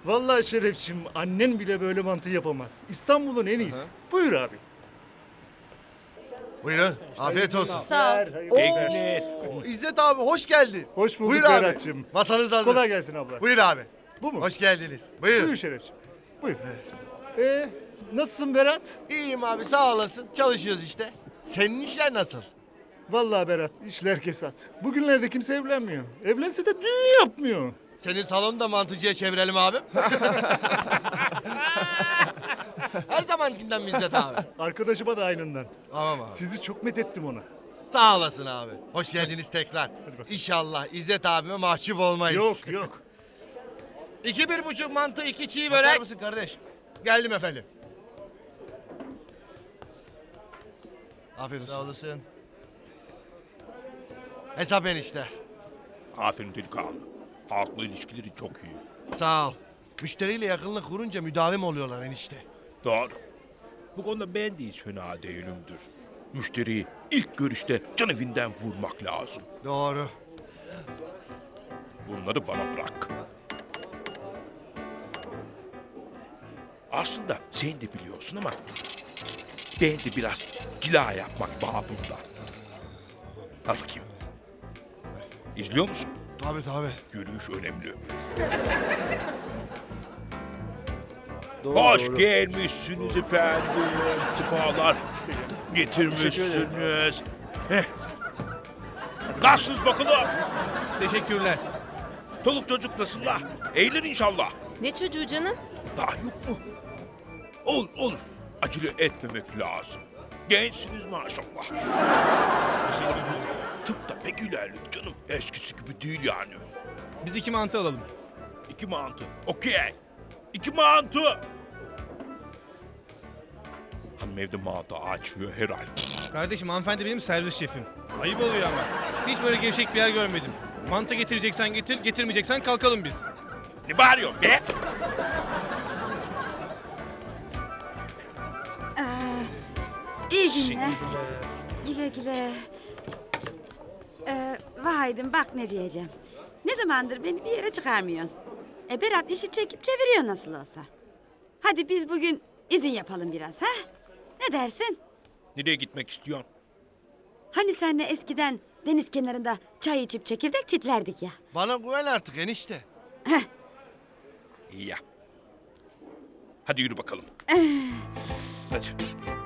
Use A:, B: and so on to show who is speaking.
A: Vallahi Şerefçim, annen bile böyle mantı yapamaz. İstanbul'un en iyisi. Buyur abi.
B: Buyurun. Afiyet olsun.
C: Sağ ol.
B: Oo, İzzet abi hoş geldin.
A: Hoş bulduk
B: Buyur abi.
A: Berat'cığım.
B: Masanız hazır.
A: Kolay gelsin abla.
B: Buyur abi.
A: Bu mu?
B: Hoş geldiniz. Buyur.
A: Buyur Şerefçim. Buyur. Nasılsın Berat?
B: İyiyim abi sağ olasın. Çalışıyoruz işte. Senin işler nasıl?
A: Vallahi Berat, işler kesat. Bugünlerde kimse evlenmiyor. Evlense de düğün yapmıyor.
B: Senin salonu da mantıcıya çevirelim abi. Her zamankinden mi İzzet abi?
A: Arkadaşıma da aynından.
B: Tamam abi.
A: Sizi çok methettim ona.
B: Sağ olasın abi. Hoş geldiniz tekrar. İnşallah İzzet abime mahcup olmayız.
A: Yok yok.
B: 1,5 mantı, 2 çiğ
D: Bakar
B: börek.
D: mısın kardeş?
B: Geldim efendim. Afiyet olsun.
D: Sağ olasın.
B: Hesap enişte.
E: Aferin delikanlı. Halkla ilişkileri çok iyi.
B: Sağ ol. Müşteriyle yakınlık kurunca müdavim oluyorlar enişte.
E: Doğru. Bu konuda ben de hiç fena değilimdir. Müşteriyi ilk görüşte can evinden vurmak lazım.
B: Doğru.
E: Bunları bana bırak. Aslında sen de biliyorsun ama ben de biraz cila yapmak babında. Al bakayım. İzliyor musun?
B: Tabii tabii.
E: Yürüyüş önemli. Hoş gelmişsiniz efendim. Sefalar getirmişsiniz. Heh. Nasılsınız bakalım?
D: Teşekkürler.
E: Çoluk çocuk nasıllar? Eğlen inşallah.
C: Ne çocuğu canım?
E: Daha yok mu? Olur. Acele etmemek lazım. Gençsiniz maşallah. Tıpta pek ilerledi canım. Eskisi gibi değil yani.
D: Biz 2 mantı alalım.
E: 2 mantı. Okey. 2 mantı. Hanım evde mantı açmıyor herhalde.
D: Kardeşim hanımefendi benim servis şefim. Ayıp oluyor ama. Hiç böyle gevşek bir yer görmedim. Mantı getireceksen getir, getirmeyeceksen kalkalım biz.
E: Ne bağırıyorsun be?
F: İyi günler. Güle güle. Vahidim bak ne diyeceğim. Ne zamandır beni bir yere çıkarmıyorsun. Berat işi çekip çeviriyor nasıl olsa. Hadi biz bugün izin yapalım biraz ha? Ne dersin?
E: Nereye gitmek istiyorsun?
F: Hani senle eskiden deniz kenarında çay içip çekirdek çitlerdik ya.
B: Bana güven artık enişte.
E: İyi ya. Hadi yürü bakalım. Hadi.